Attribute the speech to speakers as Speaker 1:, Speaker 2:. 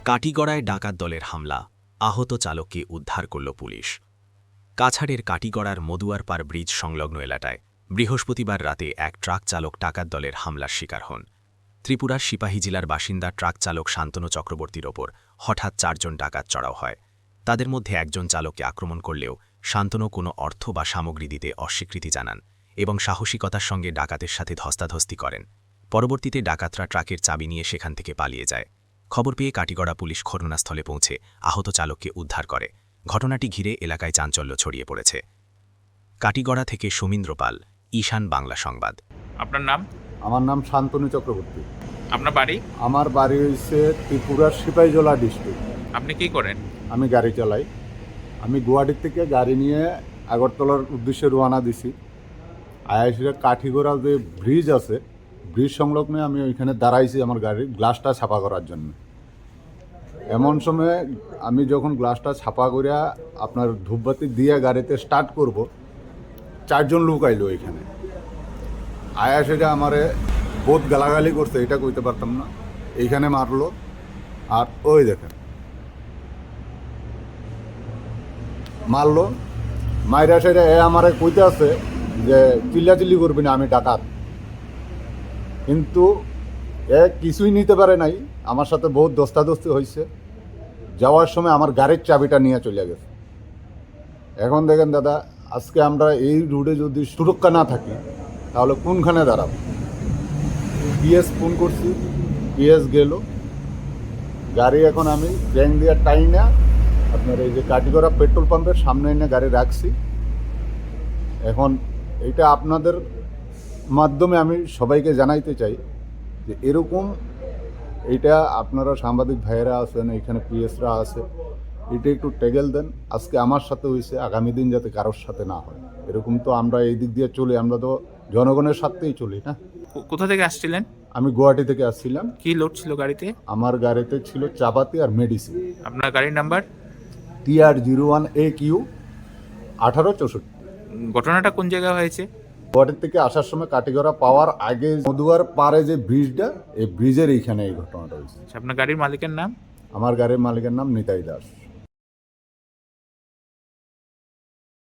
Speaker 1: কাটিগড়ায় ডাকাত দলের হামলা, আহত চালককে উদ্ধার করল পুলিশ। কাছাড়ের কাটিগড়ার মদুয়ারপাড় ব্রিজ সংলগ্ন এলাকায় বৃহস্পতিবার রাতে এক ট্রাক চালক ডাকাত দলের হামলার শিকার হন। ত্রিপুরার সিপাহী জেলার বাসিন্দা ট্রাক চালক শান্তনু চক্রবর্তীর ওপর হঠাৎ ৪ জন ডাকাত চড়াও হয়। তাদের মধ্যে একজন চালককে আক্রমণ করলেও শান্তনু কোনো অর্থ বা সামগ্রী দিতে অস্বীকৃতি জানান এবং সাহসিকতার সঙ্গে ডাকাতের সাথে ধস্তাধস্তি করেন। পরবর্তীতে ডাকাতরা ট্রাকের চাবি নিয়ে সেখান থেকে পালিয়ে যায়। খবর পেয়ে কাটিগড়া পুলিশ ঘটনাস্থলে পৌঁছে আহত চালককে উদ্ধার করে। ঘটনাটি ঘিরে এলাকায় চাঞ্চল্য ছড়িয়ে পড়েছে। কাটিগড়া থেকে সুমিন্দ্র পাল, ঈশান বাংলা সংবাদ।
Speaker 2: আপনার নাম?
Speaker 3: আমার নাম শান্তনু চক্রবর্তী।
Speaker 2: আপনার বাড়ি?
Speaker 3: আমার বাড়ি হচ্ছে ত্রিপুরার সিপাহীজলা ডিস্ট্রিক্ট।
Speaker 2: আপনি কি করেন?
Speaker 3: আমি গাড়ি চালাই। আমি গুয়াহাটির থেকে গাড়ি নিয়ে আগরতলার উদ্দেশ্যে রওনা দিছি। আইআইসির কাঠিগড়া যে ব্রিজ আছে, ব্রিজ সংলগ্নে আমি ওইখানে দাঁড়াইছি আমার গাড়ির গ্লাসটা ছাপা করার জন্য। এমন সময় আমি যখন গ্লাসটা ছাপা করিয়া আপনার ধূপবাতি দিয়ে গাড়িতে স্টার্ট করব, 4 জন লোক আইলো এখানে। আইআইসিটা আমারে বহুত গালাগালি করছে, এটা কইতে পারতাম না। এইখানে মারলো, আর ওই দেখেন মারলো। মাইরা সেটা আমারে কইতে আছে যে চিল্লাচিল্লি করবি না, আমি ডাকাত। কিন্তু কিছুই নিতে পারে নাই, আমার সাথে বহুত দস্তাদস্তি হয়েছে। যাওয়ার সময় আমার গাড়ির চাবিটা নিয়ে চলে গেছে। এখন দেখেন দাদা, আজকে আমরা এই রোডে যদি সুরক্ষা না থাকি তাহলে কোনখানে দাঁড়াবো? পিএস ফোন করছি, পিএস গেল। গাড়ি এখন আমি ব্যাংক দিয়ে টাই না আপনার এই যে কাটিগড়া পেট্রোল পাম্পের সামনে এনে গাড়ি রাখছি। এখন এটা আপনাদের মাধ্যমে আমি সবাইকে জানাইতে চাই যে এরকম এইটা আপনারা সাংবাদিক ভাইয়েরা আছেন, এখানে পিএসরা আছে, এটা একটু টেগেল দেন। আজকে আমার সাথে হয়েছে, আগামী দিন যাতে কারোর সাথে না হয়। এরকম তো আমরা এই দিক দিয়ে চলি, আমরা তো জনগণের সাথেই চলি না।
Speaker 2: কোথা থেকে আসছিলেন?
Speaker 3: আমি গুয়াহাটি থেকে আসছিলাম।
Speaker 2: কি লোড ছিল গাড়িতে?
Speaker 3: আমার গাড়িতে ছিল চাপাতি আর মেডিসিন।
Speaker 2: আপনার গাড়ির নাম্বার?
Speaker 3: TR01AQ 1864।
Speaker 2: ঘটনাটা কোন জায়গায় হয়েছে?
Speaker 3: গুয়াহাটি থেকে আসার সময় কাটিগড়া পাওয়ার আগে মধুয়ার পাড়ে যে ব্রিজটা, এই ব্রিজের এইখানে এই ঘটনাটা হয়েছে।
Speaker 2: আপনার গাড়ির মালিকের নাম?
Speaker 3: আমার গাড়ির মালিকের নাম নিতাই দাস।